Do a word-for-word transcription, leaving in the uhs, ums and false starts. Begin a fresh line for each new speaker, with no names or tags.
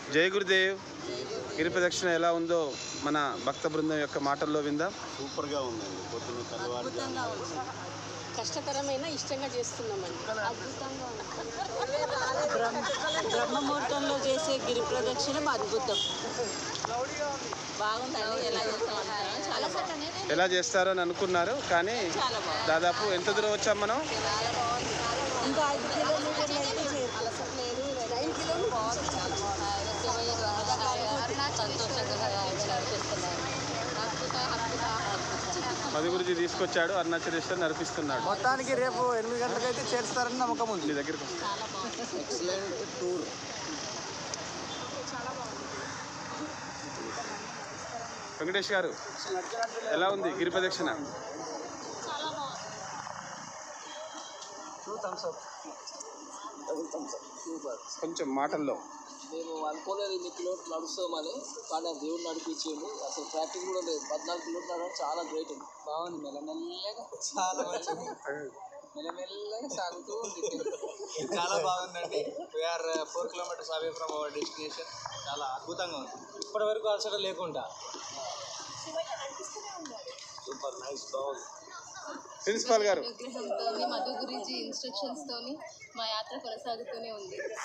జై గురుదేవ్. గిరి ప్రదక్షిణ ఎలా ఉందో మన భక్త బృందం యొక్క మాటల్లో విందాం.
సూపర్గా ఉందండి. పొద్దున్న తెల్లవారుజామున
కష్టతరమైన ఇష్టంగా చేస్తున్నామండి. అద్భుతంగా
బ్రహ్మముహూర్తంలో చేసే గిరి ప్రదక్షిణ అద్భుతం. బాగుందండి. ఎలా చేస్తామంటారా? చాలా బాగుంది.
ఎలా చేస్తారని అనుకున్నారు, కానీ దాదాపు ఎంత దూరం వచ్చాం మనం?
ఇంకా ఐదు కిలోమీటర్లు అయితే
అలసట్లేదు. నైన్ కిలోమీటర్స్
మధు గురించి తీసుకొచ్చాడు, అరుణాచలేశ్వర్ నడిపిస్తున్నాడు.
మొత్తానికి రేపు ఎనిమిది గంటలకు అయితే చేరుస్తారని నమ్మకం ఉంది.
మీ దగ్గరికి
ఎక్సలెంట్ టూర్.
వెంకటేష్ గారు, ఎలా ఉంది గిరి ప్రదక్షిణ? కొంచెం మాటల్లో.
మేము అనుకోలేదు ఇన్ని కిలోమీటర్లు నడుస్తామని, కానీ ఆ దేవుడు నడిపించింది. అసలు ట్రాఫిక్ కూడా లేదు. పద్నాలుగు కిలోమీటర్లు నడవడం చాలా గ్రేట్ అండి. బాగుంది. మెల్లమెల్లగా చాలా మంచిది. మెల్లమెల్లగా సాగుతూ ఉంది.
చాలా బాగుందండి. We're four kilometres away from our destination. చాలా అద్భుతంగా ఉంది. ఇప్పటి వరకు అలసట లేకుండా
సూపర్ నైస్. బాగుంది.
ప్రిన్సిపాల్ గారు,
విగ్రహంతో మధు గురించి ఇన్స్ట్రక్షన్స్ తోని మా యాత్ర కొనసాగుతూనే ఉంది.